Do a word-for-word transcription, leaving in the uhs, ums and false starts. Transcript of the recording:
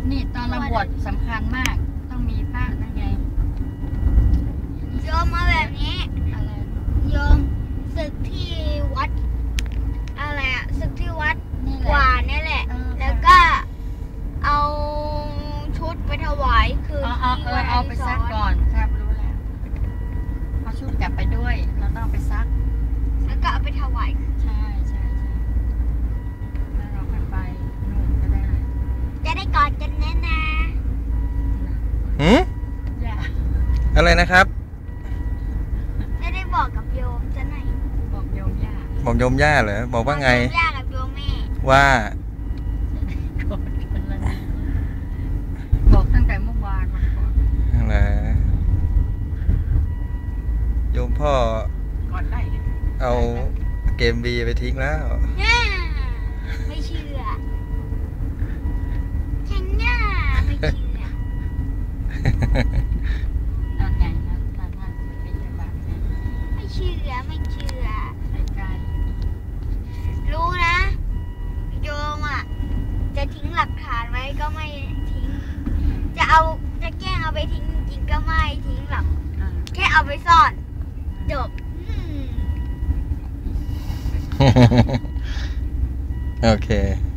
นี่ตอนเราบวชสำคัญมากต้องมีพระนั่นไงโยมมาแบบนี้อะไรโยมศึกที่วัดอะไรอะศึกที่วัดกว่านี่แหละแล้วก็เอาชุดไปถวายคือที่วัดเอาไปซักก่อนครับรู้แล้วเอาชุดกลับไปด้วยเราต้องไปซักแล้วก็เอาไปถวายใช่ใช่ใช่แล้วเราค่อยไปนู่นก็ได้จะได้กอดกันแน่นะหืมอะไรนะครับไม่ได้บอกกับโยมจะไหนบอกโยมย่าบอกโยมย่าเหรอบอกว่าไงโยมย่ากับโยมแม่ว่าบอกตั้งแต่เมื่อวานมาก่อนอะไรโยมพ่อก่อนได้เอาเกมบีไปทิ้งแล้วไม่เชื่อฉันน่าไม่เชื่อนั่นไงนั่นนั่นนั่นไม่ใช่แบบนี้ไม่เชื่อไม่เชื่อไม่ไกลรู้นะโยมอ่ะจะทิ้งหลักฐานไว้ก็ไม่ทิ้งจะเอาจะแกล้งเอาไปทิ้งจริงก็ไม่ทิ้งหรอกแค่เอาไปซ่อนจบโอเค